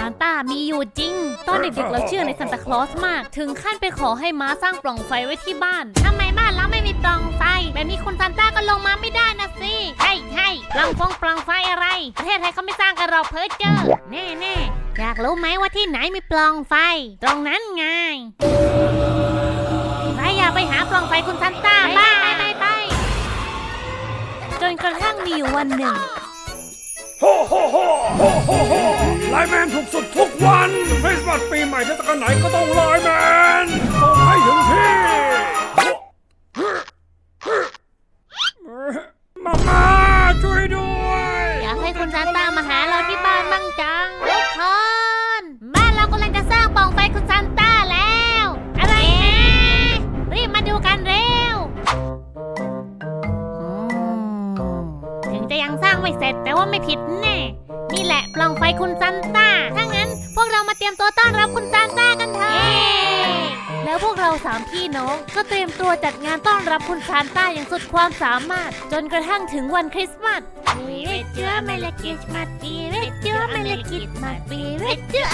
านต้ามีอยู่จริงตอนเด็กๆเราเชื่อในซานตาคลอสมากถึงขั้นไปขอให้ม้าสร้างปล่องไฟไว้ที่บ้านทำไมบ้านเราไม่มีปล่องไฟแบบนี้คุณซานต้าก็ลงมาไม่ได้นะสิใช่ปล่องไฟอะไรประเทศไทยเขาไม่สร้างกันหรอกเพ้อเจ้อแน่อยากรู้ไหมว่าที่ไหนมีปล่องไฟตรงนั้นไงใครอยากไปหาปล่องไฟคุณซานต้าบ้างไปจนกระทั่งมีวันหนึ่งโฮโฮโฮโฮโฮโฮไลน์แมนถูกสุดทุกวันคริสต์มาสปีใหม่เทศกาลไหนก็ต้องไลน์แมนส่งให้ถึงที่มาช่วยด้วยอยากให้คุณซานต้ามาหาเราที่บ้านบ้างจังทุกคนบ้านเรากำลังจะสร้างปล่องไฟคุณซานต้าแล้วอะไรนะรีบมาดูกันเร็วถึงจะยังสร้างไม่เสร็จแต่ว่าไม่ผิดแน่นี่แหละปล่องไฟคุณซานต้าถ้างั้นพวกเรามาเตรียมตัวต้อนรับคุณซานต้ากันเถอะแล้วพวกเรา3พี่น้องก็เตรียมตัวจัดงานต้อนรับคุณซานต้าอย่างสุดความสามารถจนกระทั่งถึงวันคริสต์มาสเชื่อไม่ละกิดมาปีเชื่อไม่ละกิดมาปีเชื่อ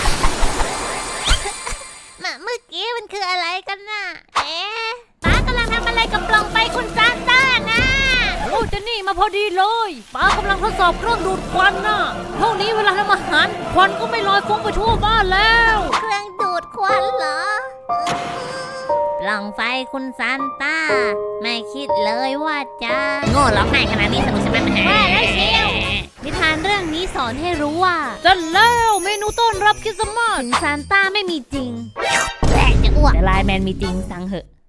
เมื่อกี้มันคืออะไรกันน่ะป้ากำลังทำอะไรกับปล่องไฟคุณซานต้านะโอ้เจนนี่มาพอดีเลยป้ากำลังทดสอบเครื่องดูดควันน่ะพวกนี้เวลาทำอาหารควันก็ไม่ลอยฟุ้งไปทั่วบ้านแล้วเครื่องดูดควันเหรอปล่องไฟคุณซานต้าไม่คิดเลยว่าจะโง่ร้องไห้ขนาดนี้สนุกใช่ไหมว่าแล้วเชียวนิทานเรื่องนี้สอนให้รู้ว่าจะแล้วเมนูต้อนรับคริสต์มาสถึงซานต้าไม่มีจริงและจะอ้วกแต่ไลน์แมนมีจริงสั่งเหอะ